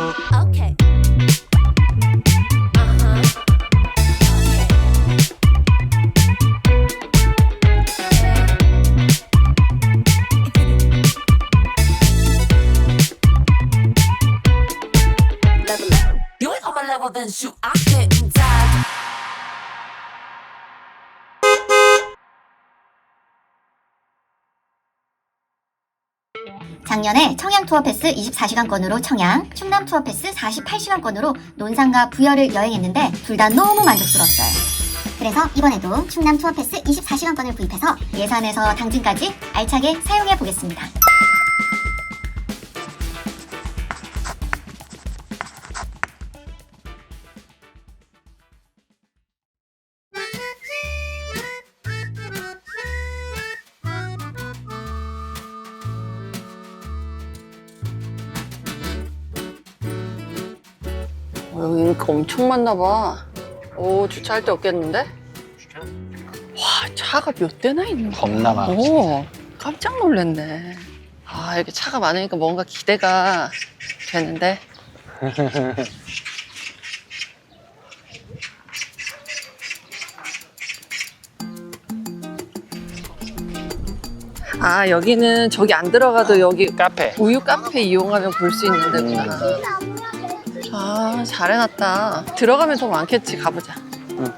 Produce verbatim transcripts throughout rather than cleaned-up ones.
Okay. You ain't on my level, then shoot, I couldn't die. 작년에 청양 투어 패스 이십사 시간권으로 청양, 충남 투어 패스 사십팔 시간권으로 논산과 부여를 여행했는데 둘 다 너무 만족스러웠어요. 그래서 이번에도 충남 투어 패스 이십사 시간권을 구입해서 예산에서 당진까지 알차게 사용해 보겠습니다. 여기 이렇게 엄청 많나 봐. 오, 주차할 데 없겠는데? 와, 차가 몇 대나 있는 거야? 겁나 많아. 오, 깜짝 놀랐네. 아, 이렇게 차가 많으니까 뭔가 기대가 되는데. 아, 여기는 저기 안 들어가도 여기 카페. 우유 카페 이용하면 볼 수 있는 데구나. 아, 잘 해놨다. 들어가면 더 많겠지. 가보자. 응.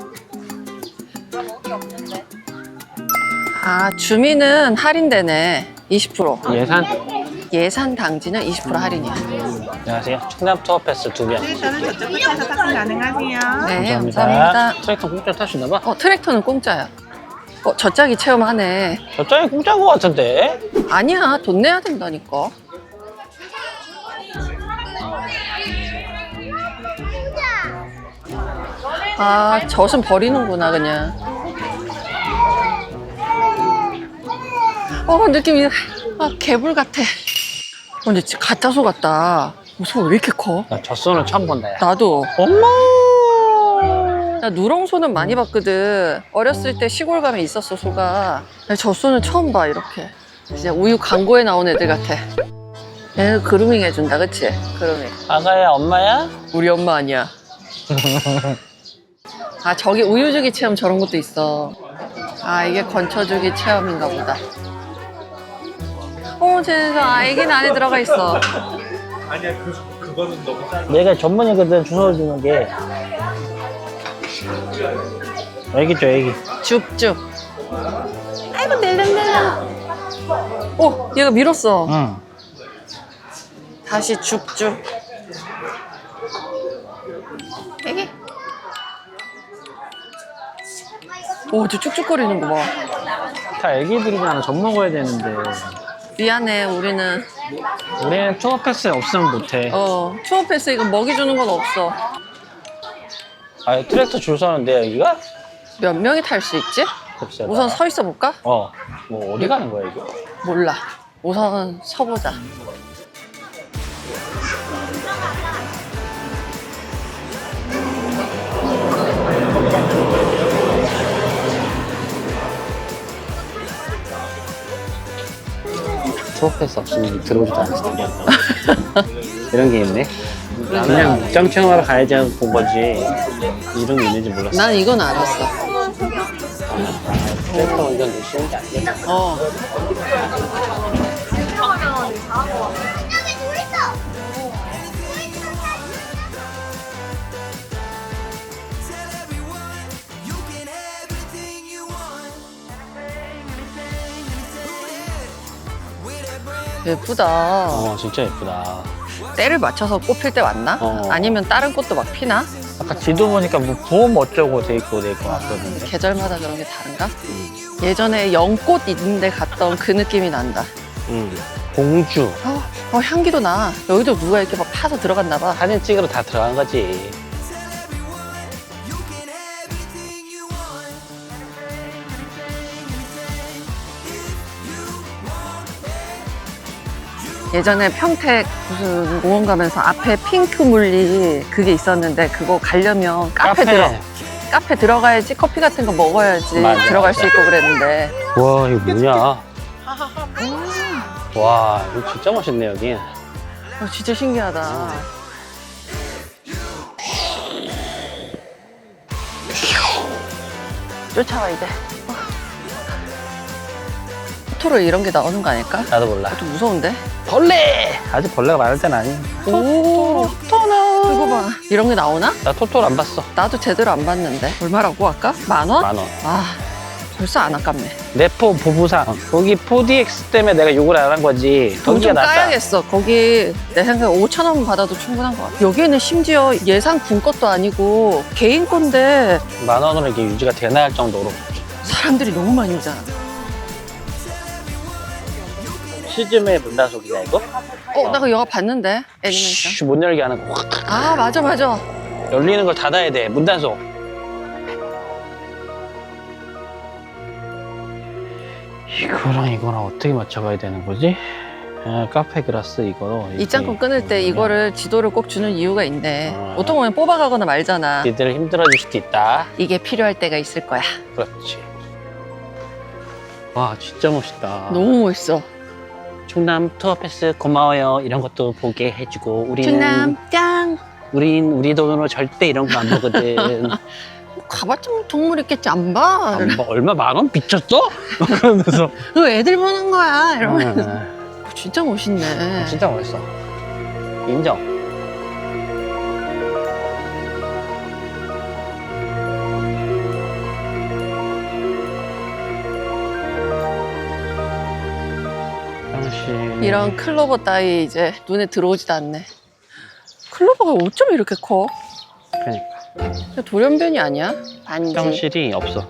아, 주민은 할인되네. 이십 퍼센트. 예산? 예산 당지는 이십 퍼센트 할인이야. 안녕하세요. 충남 투어 패스 두 개. 저는 저쪽 끝에서 탑승 가능하세요. 네, 감사합니다. 트랙터 공짜 탈 수 있나 봐. 어, 트랙터는 공짜야. 어, 저짝이 체험하네. 저쪽이 공짜인 것 같은데? 아니야, 돈 내야 된다니까. 아, 젖은 버리는구나, 그냥. 어, 느낌이, 아, 개불 같아. 어, 근데 진짜 가짜소 같다. 무슨 왜 이렇게 커? 나 젖소는 처음 본다, 야. 나도. 엄마! 나 누렁소는 많이 봤거든. 어렸을 때 시골 가면 있었어, 소가. 나 젖소는 처음 봐, 이렇게. 진짜 우유 광고에 나온 애들 같아. 얘는 그루밍 해준다, 그치? 그루밍. 아가야, 엄마야? 우리 엄마 아니야. 아, 저기 우유주기 체험 저런 것도 있어. 아, 이게 건초주기 체험인가 보다. 어, 쟤는 아기는 안에 들어가 있어. 아니야 그 그거는 너무 짧아. 내가 전문이거든, 주워 주는 게. 애기죠, 애기. 줍줍. 아이고, 낼름낼름. 어, 얘가 밀었어. 응. 다시 줍줍. 애기. 오, 저 쭉쭉거리는 거 봐. 다 애기들이잖아. 젖 먹어야 되는데. 미안해, 우리는. 우리는 투어 패스 없으면 못해. 어, 투어 패스 이거 먹이 주는 건 없어. 아, 트랙터 줄 서는데, 여기가? 몇 명이 탈 수 있지? 글쎄. 우선 서 있어 볼까? 어. 뭐, 어디 가는 거야, 이거? 몰라. 우선 서보자. 투어 패스 없으면 들어오지도 않을 텐데. 이런 게 있네. 그냥 목장 체험하러 가야지 하고 본 거지. 이런 게 있는지 몰랐어. 난 이건 알았어. 트랙터 운전도 쉬운 게 아니야. 어. 예쁘다. 어, 진짜 예쁘다. 때를 맞춰서 꽃필 때 왔나? 어. 아니면 다른 꽃도 막 피나? 아까 지도 보니까 뭐 보험 어쩌고 돼 있고 돼 있고 왔거든요. 계절마다 그런 게 다른가? 예전에 연꽃 있는데 갔던 그 느낌이 난다. 응. 공주. 어, 어, 향기도 나. 여기도 누가 이렇게 막 파서 들어갔나 봐. 사진 찍으러 다 들어간 거지. 예전에 평택 무슨 공원 가면서 앞에 핑크 물리 그게 있었는데 그거 가려면 카페, 카페. 들어 카페 들어가야지 커피 같은 거 먹어야지 맞아, 들어갈 맞아. 수 있고 그랬는데. 와, 이거 뭐냐? 와, 이거 진짜 멋있네, 여기. 어, 진짜 신기하다. 쫓아와야 돼. 어. 토토로 이런 게 나오는 거 아닐까? 나도 몰라. 좀 무서운데? 벌레! 아직 벌레가 많을 때는 아니. 오, 토토나. 이거 봐. 이런 게 나오나? 나 토토를 안 봤어. 나도 제대로 안 봤는데. 얼마라고 아까? 만 원? 만 원. 아, 벌써 안 아깝네. 네포 보부상. 거기 포디엑스 때문에 내가 욕을 안 한 거지. 돈 거기가 좀 낫다. 까야겠어. 거기 내 생각에 오천 원 받아도 충분한 것 같아. 여기는 심지어 예상 군 것도 아니고 개인 건데 만 원으로 이게 유지가 되나 할 정도로. 사람들이 너무 많이 오잖아. 시즘의 문단속이냐 이거? 어, 나 그 영화 봤는데 애니메이션. 쉬, 못 열게 하는 거 확 아, 맞아, 맞아. 열리는 걸 닫아야 돼. 문단속. 이거랑 이거랑 어떻게 맞춰가야 되는 거지? 아, 카페 그라스 이거로 입장권 끊을 때 이거를 지도를 꼭 주는 이유가 있네. 아. 보통 보면 뽑아가거나 말잖아. 니들 힘들어질 수도 있다. 이게 필요할 때가 있을 거야. 그렇지. 와 진짜 멋있다. 너무 멋있어. 충남 투어 패스 고마워요. 이런 것도 보게 해주고 우리는 충남 짱. 우린 우리 돈으로 절대 이런 거 안 보거든. 가봤자 뭐 동물 있겠지 안 봐. 안 봐. 얼마 만 원 비쳤어? 그러면서 그 애들 보는 거야. 이러면 아, 진짜 멋있네. 진짜 멋있어. 인정. 당신 이런 클로버 따위 이제 눈에 들어오지도 않네. 클로버가 어쩜 이렇게 커? 그러니까 돌연변이 아니야? 반지. 화장실이 없어.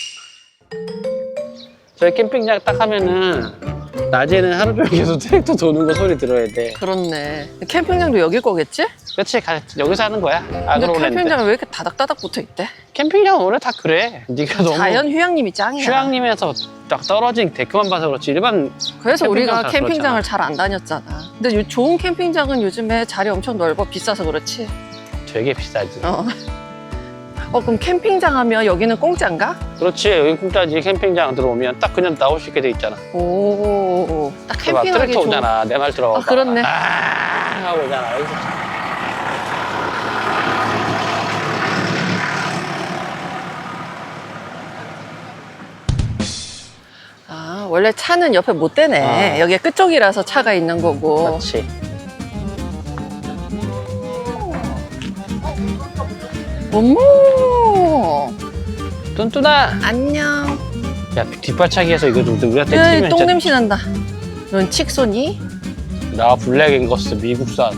저희 캠핑장 딱 하면은 낮에는 하루 종일 계속 트랙터 도는 거 소리 들어야 돼. 그렇네. 캠핑장도 여길 거겠지? 그렇지, 가- 여기서 하는 거야. 근데 아그로랜드. 캠핑장은 왜 이렇게 다닥다닥 붙어 있대? 캠핑장은 원래 다 그래. 네가 너무 자연 휴양림이 짱이야. 휴양림에서 딱 떨어진 데크만 봐서 그렇지 일반 그래서 캠핑장 우리가 다 캠핑장을 잘 안 다녔잖아. 근데 요- 좋은 캠핑장은 요즘에 자리 엄청 넓어. 비싸서 그렇지. 되게 비싸지. 어. 어, 그럼 캠핑장 하면 여기는 공짜인가? 그렇지, 여기 공짜지. 캠핑장 들어오면 딱 그냥 나올 수 있게 돼 있잖아. 오, 딱 그 막 캠핑하기 트랙터 좋은. 오잖아. 내 말 들어. 아, 그렇네. 아 하고 오잖아. 여기서. 아, 원래 차는 옆에 못 대네. 아. 여기 끝쪽이라서 차가 있는 거고. 그렇지. 어머, 뚠뚠아. 안녕. 야 뒷발차기해서 이거 좀 우리한테 으이, 튀면 똥 진짜 냄새 난다. 넌 칙소니? 나 블랙 앵거스 미국산.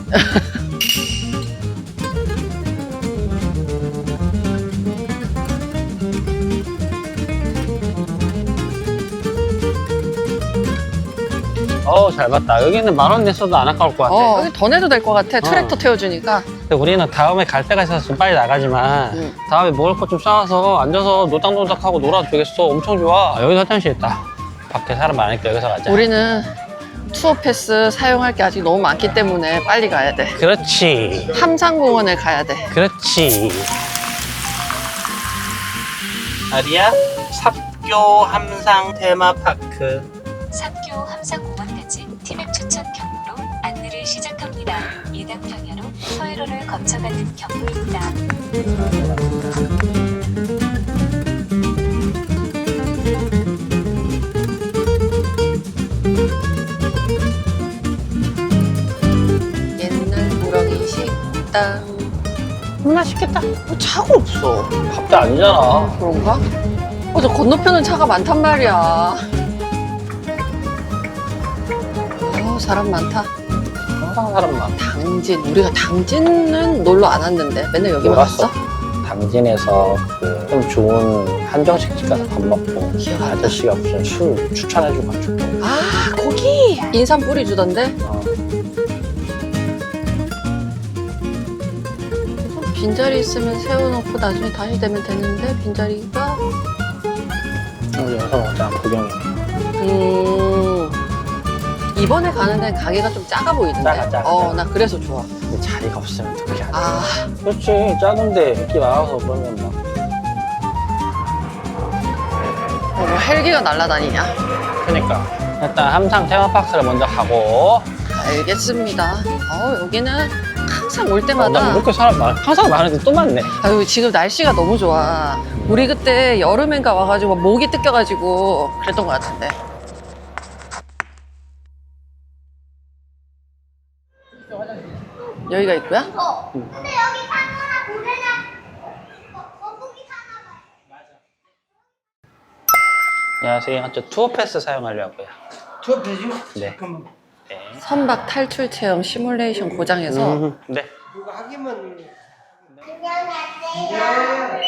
어우 잘 봤다. 여기는 만 원 냈어도 안 아까울 것 같아. 어, 여기 더 내도 될 것 같아. 트랙터 태워주니까. 근데 우리는 다음에 갈 데가 있어서 좀 빨리 나가지만 응. 다음에 먹을 것 좀 싸와서 앉아서 노닥노닥하고 놀아도 되겠어. 엄청 좋아. 아, 여기서 화장실 있다. 밖에 사람 많으니까 여기서 가자. 우리는 투어 패스 사용할 게 아직 너무 많기 때문에 빨리 가야 돼. 그렇지. 함상공원에 가야 돼. 그렇지. 아리야, 삽교 함상 테마파크. 삽교 함상공원까지 티맵 추천 경로로 안내를 시작합니다. 이단 방향으로 서해로를 거쳐가는 경로입니다. 옛날 우렁이 식당. 맛있겠다. 뭐 차가 없어. 밥도 아니잖아. 그런가? 어, 저 건너편은 차가 많단 말이야. 어, 사람 많다. 항상 사람 많아. 당진. 우리가 당진은 놀러 안 왔는데 맨날 여기만 놀았어. 왔어? 당진에서 그 좀 좋은 한정식 집 가서 밥 먹고 기억 안 나. 아저씨가 무슨 술 추천해줘가지고. 아, 거기! 인삼 뿌리 주던데? 어. 빈자리 있으면 세워놓고 나중에 다시 되면 되는데 빈자리가 여기 와서 먹자. 구경이네. 음 이번에 가는 데는 가게가 좀 작아 보이던데. 작아, 작아, 어, 작아. 나 그래서 좋아. 근데 자리가 없으면 어떻게 하지? 아, 그렇지. 작은데 인기 많아서 그러면 막. 어, 뭐 헬기가 날아다니냐? 그러니까 일단 함상 테마파크를 먼저 가고 알겠습니다. 어, 여기는 항상 올 나 때마다 이렇게 사람 많 항상 많은데 또 많네. 아유 지금 날씨가 너무 좋아. 우리 그때 여름엔가 와가지고 목이 뜯겨가지고 그랬던 것 같은데. 여기가 있고요? 근데 여기 사느라 고래나 거북이 사나 봐. 안녕하세요. 저 투어 패스 사용하려고요. 투어 패스요? 네. 잠깐만. 네. 선박 탈출 체험 시뮬레이션 고장에서 음, 네. 그거 하기만. 안녕하세요.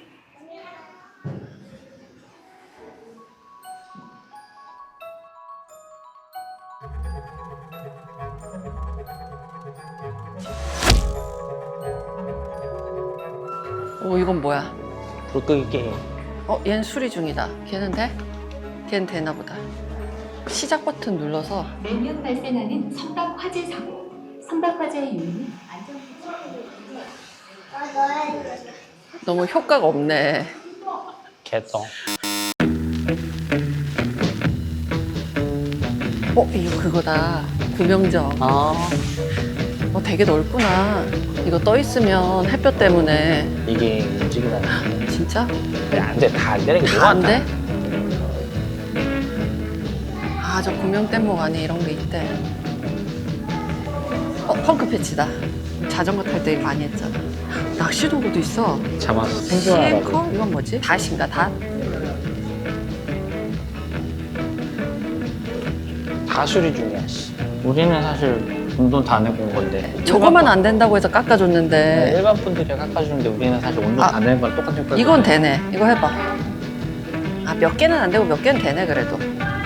오 이건 뭐야? 불 끄기 게임. 어 얘는 수리 중이다. 걔는 돼? 걔는 되나 보다. 시작 버튼 눌러서 매년 발생하는 선박 화재 사고. 선박 화재의 요인은 안전 너무 효과가 없네. 개똥. 어 이거 그거다. 구명정. 아, 어 되게 넓구나. 이거 떠 있으면 햇볕 때문에 이게 움직이다니. 진짜? 안 돼. 다 안 되는 게 다 뭐가 안 돼? 아, 저 구명뗏목 안에 이런 게 있대. 어, 펑크 패치다. 자전거 탈 때 많이 했잖아. 낚시 도구도 있어. 잠깐 생존하라고. 시엠커? 이건 뭐지? 닷인가, 닷? 다 수리 중이야. 씨. 우리는 사실 돈 다 내고 온 건데. 저거만 안 된다고 해서 깎아줬는데. 네, 일반 분들이 깎아주는데 우리는 사실 온돈 아, 다 내는 건 똑같은 효과. 이건 되네. 이거 해봐. 아, 몇 개는 안 되고 몇 개는 되네, 그래도.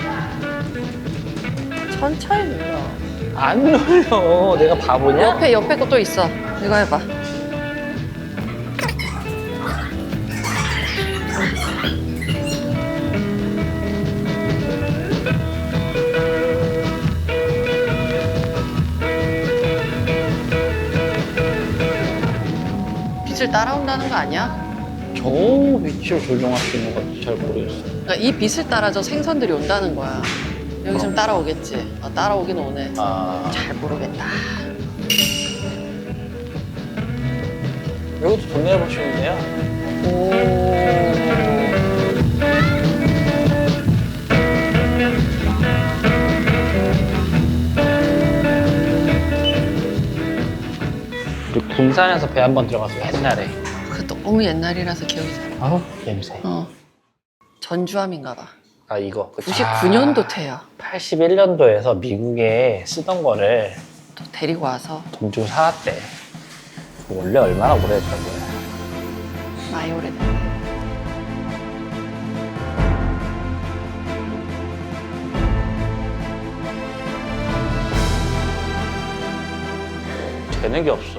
천천히 눌러. 안 눌려. 내가 바보냐? 옆에, 옆에 거 또 있어. 이거 해봐. 빛을 따라온다는 거 아니야? 저 위치를 조정할 수 있는 것도 잘 모르겠어. 그러니까 이 빛을 따라 저 생선들이 온다는 거야. 여기 좀 따라오겠지. 어, 따라오긴 오네. 아, 잘 모르겠다. 이것도 돈 내보시는데요? 오. 우리 군산에서 배 한 번 들어가서 옛날에. 그 너무 옛날이라서 기억이 잘 안 나. 아우, 냄새. 어. 전주함인가 봐. 아, 이거. 구십구 년도 태야. 팔십일 년도에서 미국에 쓰던 거를 또 데리고 와서 돈 주고 사왔대. 원래 얼마나 오래됐던 거야. 많이 오래됐네. 되는 게 없어.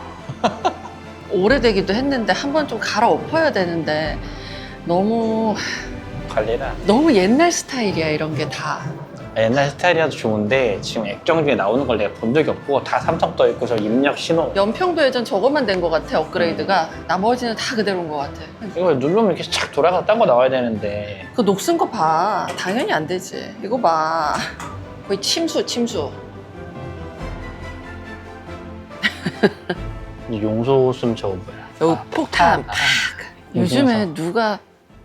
오래되기도 했는데 한 번 좀 갈아엎어야 되는데 너무 관리를 안 해. 너무 옛날 스타일이야 이런 게 다. 옛날 스타일이라도 좋은데 지금 액정 중에 나오는 걸 내가 본 적이 없고 다 삼성 떠 있고 저 입력 신호 연평도 예전 저것만 된 것 같아 업그레이드가. 나머지는 다 그대로인 것 같아. 이거 누르면 이렇게 착 돌아가서 딴 거 나와야 되는데 그 녹슨 거 봐. 당연히 안 되지. 이거 봐. 거의 침수 침수. 이 용소 숨 저거 뭐야. 여기 아, 폭탄 팍. 요즘에 인증서. 누가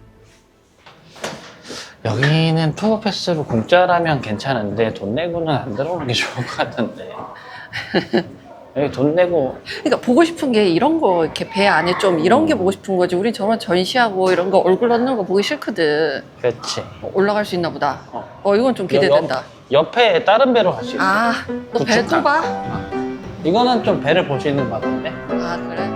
여기는 투어 패스로 공짜라면 괜찮은데 돈 내고는 안 들어오는 게 좋을 것 같은데. 여기 돈 내고 그러니까 보고 싶은 게 이런 거 이렇게 배 안에 좀 이런 게 보고 싶은 거지. 우린 저런 전시하고 이런 거 얼굴 넣는 거 보기 싫거든. 그렇지. 어, 올라갈 수 있나 보다. 어. 어 이건 좀 기대된다. 옆, 옆에 다른 배로 갈 수 있어. 아, 너 배 또 구축함. 봐? 이거는 좀 배를 볼 수 있는 것 같은데. 아 그래?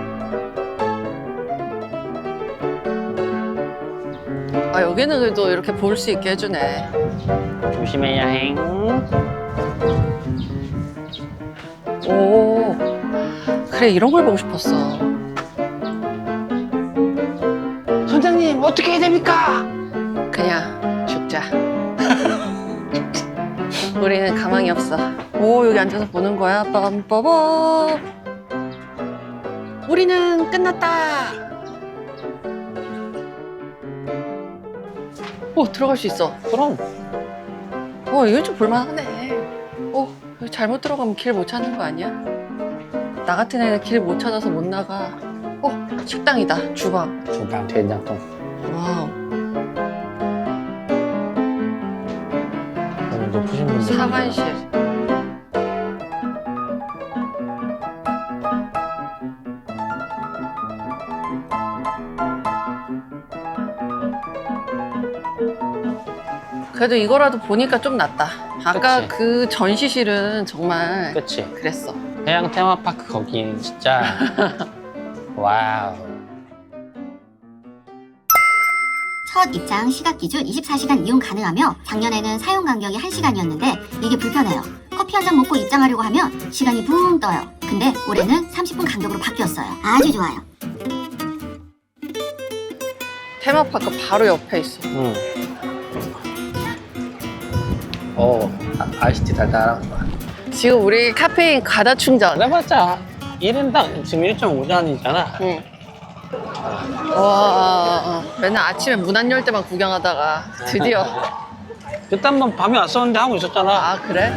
아 여기는 그래도 이렇게 볼 수 있게 해주네. 조심해야 행. 오 그래 이런 걸 보고 싶었어. 선장님 어떻게 해야 됩니까? 그냥 죽자. 우리는 가망이 없어. 오 여기 앉아서 보는 거야. 빰빠밤. 우리는 끝났다. 오 들어갈 수 있어. 그럼 어 이거 좀 볼만하네. 어 여기 잘못 들어가면 길 못 찾는 거 아니야? 나 같은 애는 길 못 찾아서 못 나가. 어, 식당이다. 주방. 주방 된장통. 와우. 오늘 높으신 분들. 사관실. 그래도 이거라도 보니까 좀 낫다. 아까 그치. 그 전시실은 정말 그치. 그랬어. 해양 테마파크 거긴 진짜 와우. 첫 입장 시각 기준 이십사 시간 이용 가능하며 작년에는 사용 간격이 한 시간이었는데 이게 불편해요. 커피 한 잔 먹고 입장하려고 하면 시간이 붕 떠요. 근데 올해는 삼십 분 간격으로 바뀌었어요. 아주 좋아요. 테마파크 바로 옆에 있어. 응. 어, 아, 아이스티 달달한 거야. 지금 우리 카페인 가다 충전. 그래봤자 일 인당 지금 일 점 오 잔이잖아. 응. 와, 맨날 아침에 문 안 열 때만 구경하다가 드디어. 그때 한번 밤에 왔었는데 하고 있었잖아. 아, 그래?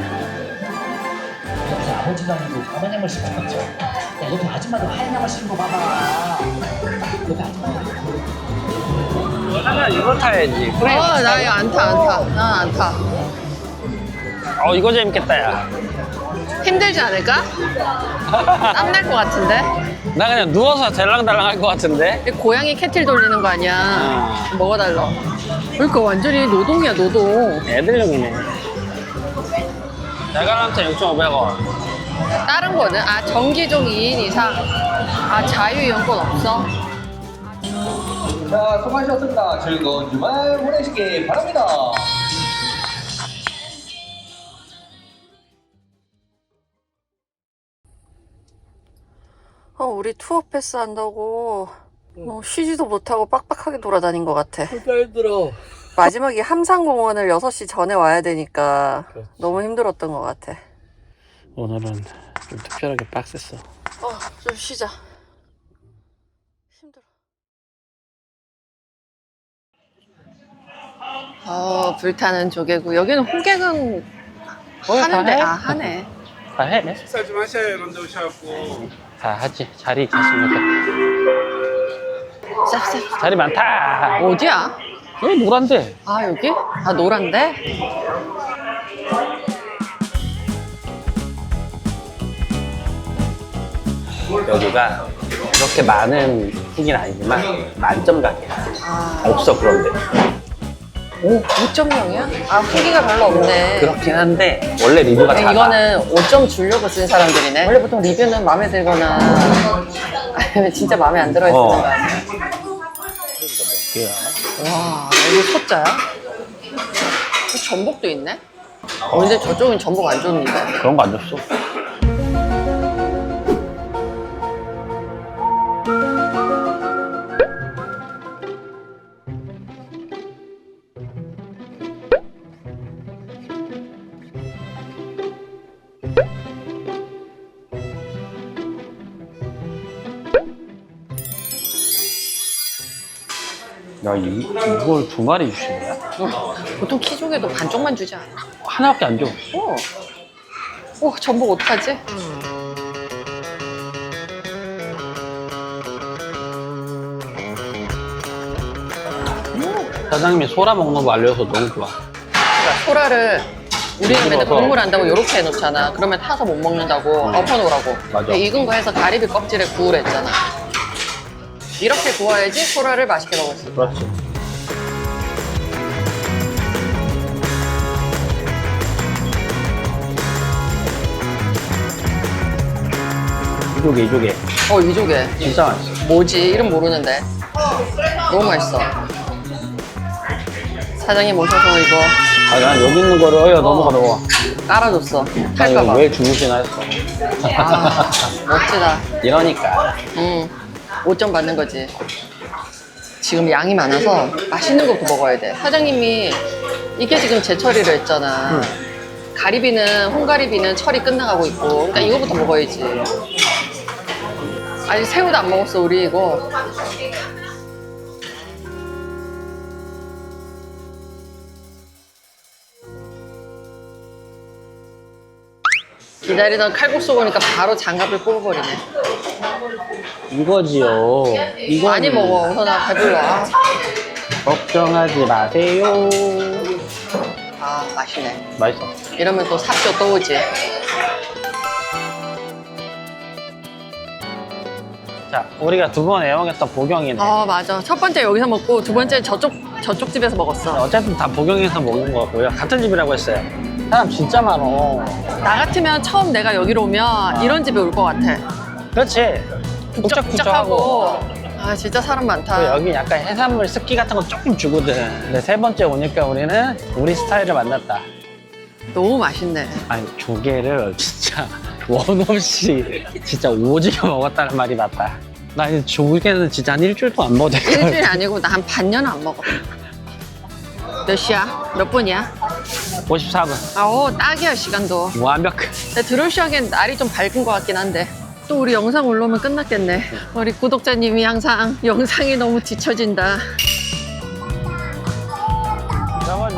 아버지도 아니고 검은 양말 신고 왔죠. 야, 옆에 아줌마도 하얀 양말 신고 봐봐. 옆에 아줌마. 하면 이거 타야지. 그래. 어, 나 이거 안 타, 안 타. 난 안 타. 어, 이거 재밌겠다, 야. 힘들지 않을까? 땀날 것 같은데? 나 그냥 누워서 델랑달랑 할 것 같은데? 이 고양이 캐틀 돌리는 거 아니야? 뭐가 달라? 그러니까 완전히 노동이야, 노동. 애들용이네. 대관람차 육천오백 원. 다른 거는? 아, 정기종 이 인 이상. 아, 자유이용권 없어? 자, 수고하셨습니다. 즐거운 주말 보내시기 바랍니다. 어, 우리 투어 패스 한다고 뭐 쉬지도 못하고 빡빡하게 돌아다닌 것 같아. 진짜 힘들어. 마지막에 함상공원을 여섯 시 전에 와야 되니까 그렇지. 너무 힘들었던 것 같아. 오늘은 좀 특별하게 빡셌어. 어, 좀 쉬자. 힘들어. 어, 불타는 조개구. 여기는 호객은 하는데, 해? 아, 하네. 다 해? 식사 좀 하셔야 이런데 오셔갖고. 다 하지. 자리 있겠습니까? 쌉쌉. 자리 많다. 어디야? 여기 노란데. 아, 여기? 아, 노란데? 여기가 그렇게 많은 후기는 아니지만 만점 가게야. 아, 없어 그런데. 오, 오 점 영이야? 아, 후기가 별로 없네. 그렇긴 한데 원래 리뷰가 근데 작아. 이거는 오 점 주려고 쓴 사람들이네. 원래 보통 리뷰는 마음에 들거나 아니면 진짜 마음에 안 들어 있는 어. 거 아니야? 개야. 와, 이거 소자야? 전복도 있네? 어, 근데 저쪽은 전복 안 줬는데. 그런 거 안 줬어. 야, 이, 이걸 두 마리 주시는 거야? 어, 보통 키조개도 반쪽만 주지 않아? 하나밖에 안 줘. 어. 어, 전복 어떡하지? 사장님이 소라 먹는 거 알려줘서 너무 좋아. 그러니까 소라를 우리는 맨날 익어서. 국물 한다고 이렇게 해놓잖아. 그러면 타서 못 먹는다고 엎어놓으라고. 맞아. 근데 익은 거 해서 가리비 껍질에 구우라 했잖아. 이렇게 구워야지 소라를 맛있게 먹을 수 있어. 그렇지. 이조개, 이조개. 어, 이조개. 진짜 맛있어. 뭐지? 이름 모르는데. 너무 맛있어. 사장님 오셔서 이거 아, 난 여기 있는 거를, 어여, 넘어가, 넘어가. 깔아줬어. 난 이거 탈까봐. 왜 주무시나 했어. 아, 멋지다. 이러니까. 응. 오 점 받는 거지. 지금 양이 많아서 맛있는 것도 먹어야 돼. 사장님이 이게 지금 제철이라 했잖아. 가리비는, 홍가리비는 철이 끝나가고 있고. 그러니까 이거부터 먹어야지. 아직 새우도 안 먹었어, 우리 이거. 기다리던 칼국수 보니까 바로 장갑을 뽑아버리네. 이거지요. 이거 많이 먹어. 우선아 배불러. 아, 걱정하지 마세요. 아 맛있네. 맛있어. 이러면 또 삽쇼 또 오지. 자, 우리가 두 번 애용했던 보경이네. 아 맞아. 첫 번째 여기서 먹고 두 번째 저쪽 저쪽 집에서 먹었어. 어차피 다 보경에서 먹은 거 같고요. 같은 집이라고 했어요. 사람 진짜 많어. 나 같으면 처음 내가 여기로 오면 이런 집에 올 것 같아. 그렇지. 북적북적하고. 아 진짜 사람 많다. 그리고 여기 약간 해산물 스키 같은 거 조금 주거든. 근데 세 번째 오니까 우리는 우리 스타일을 만났다. 너무 맛있네. 아니 조개를 진짜 원 없이 진짜 오지게 먹었다는 말이 맞다. 나 이 조개는 진짜 한 일주일도 안 먹었다. 일주일이 아니고 나 한 반년은 안 먹어. 몇 시야? 몇 분이야? 오십사 분. 아오 딱이야 시간도. 완벽. 근데 드론쇼 하기엔 날이 좀 밝은 것 같긴 한데 또 우리 영상 올라오면 끝났겠네. 우리 구독자님이 항상 영상이 너무 뒤처진다. 나머지.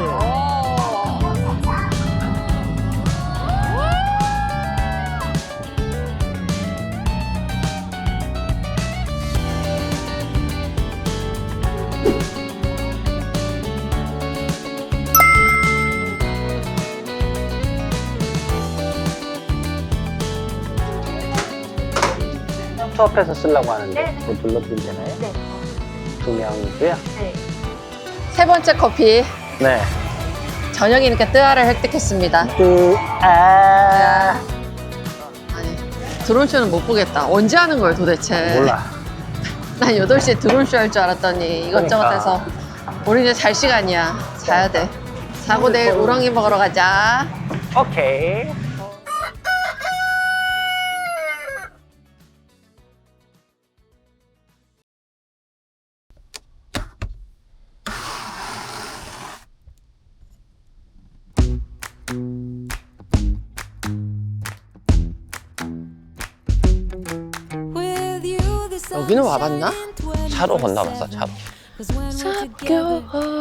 투어패스 쓰려고 하는데 뭐 눌러드리면 되나요? 네. 두 명이고요. 세 번째 커피. 네. 저녁이니까 뜨아를 획득했습니다. 아. 아니 드론쇼는 못 보겠다. 언제 하는 거예요 도대체? 몰라. 난 여덟 시에 드론쇼 할 줄 알았더니 이것저것 그러니까. 해서 우리 이제 잘 시간이야. 자야 돼. 자고 내일 우렁이 먹으러 가자. 오케이. 여기는 와봤나? 차로 건너봤어, 차로. 삽교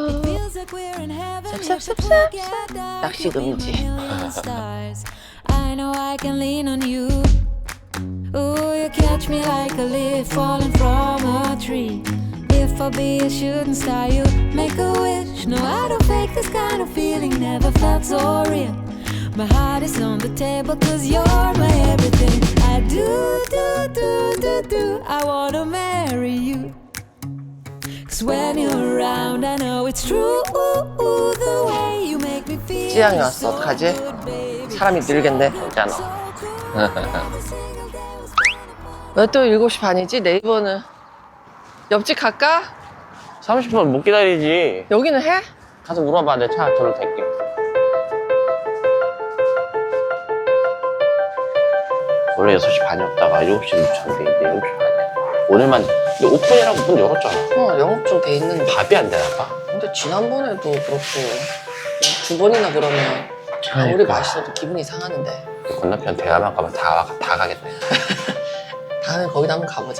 삽삽삽삽 낚시 금지. I know I can lean on you. Ooh, you catch me like a leaf falling from a tree. If I be a shooting star, you make a wish. No, I don't fake this kind of feeling. Never felt so real. My heart is on the table 'cause you're my everything. I do, do, do, do, do. I wanna marry you. 'Cause when you're around, I know it's true. The way you make me feel. 찌양이 왔어. 어떡하지? 사람이 늘겠네. 괜찮아. 왜 또 일곱 시 반이지? 네이버는 옆집 갈까? 삼십 분 못 기다리지. 여기는 해? 가서 물어봐. 내 차 저로 댈게. 원래 여섯 시 반이었다가 일곱 시 묻혔는데 이제 일곱 시 반이야. 오늘만 근데 오픈이라고 문 열었잖아. 어, 영업 좀 돼 있는데. 밥이 안 되나 봐? 근데 지난번에도 그렇고 두 번이나 그러면 아무리 그러니까. 맛있어도 기분이 상하는데. 건너편 대화만 가면 다, 다 가겠다. 다음에 거기다 한번 가보자.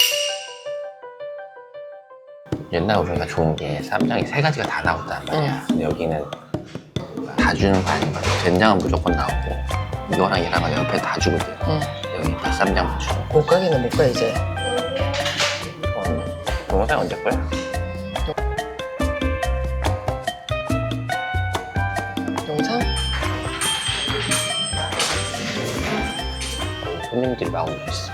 옛날 우리가 좋은 게 쌈장이 세 가지가 다 나왔단 말이야. 응. 근데 여기는 다 주는 거 아닌 거야. 된장은 무조건 나오고 이거랑 얘랑 옆에 다 주거든. 응. 여기 다 쌈장 주고. 못 가기는 못 가 이제. 동영상 언제 거야? 영상? 손님들이 막 오고 있어.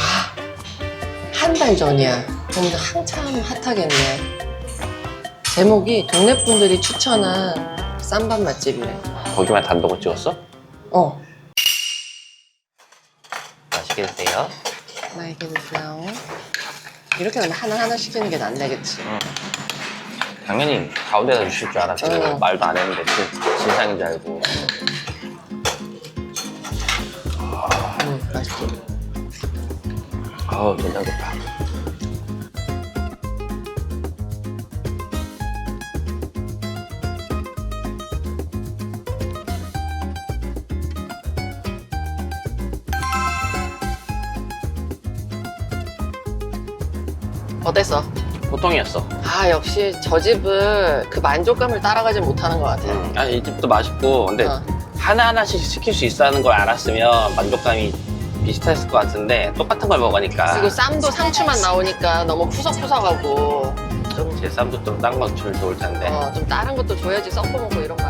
한 달 전이야. 그럼 한참 핫하겠네. 제목이 동네 분들이 추천한 쌈밥 맛집이래. 거기만 단독으로 찍었어? 어. 맛있게 드세요. 나에게 드세요. 이렇게 하면 하나하나 시키는 게 낫네겠지. 응. 당연히 가운데다 주실 줄 알았지. 응. 말도 안 했는데 진, 진상인 줄 알고. 응, 맛있지. 아우 된장 좋다. 어땠어? 보통이었어. 아 역시 저 집을 그 만족감을 따라가지 못하는 것 같아. 음. 아니 이 집도 맛있고 근데 어. 하나하나씩 시킬 수 있다는 걸 알았으면 만족감이 비슷했을 것 같은데 똑같은 걸 먹으니까. 그리고 쌈도 상추만 나오니까 너무 푸석푸석하고 좀, 제 쌈도 좀 딴 거 주면 좋을 텐데. 어, 좀 다른 것도 줘야지 섞어 먹고 이런 거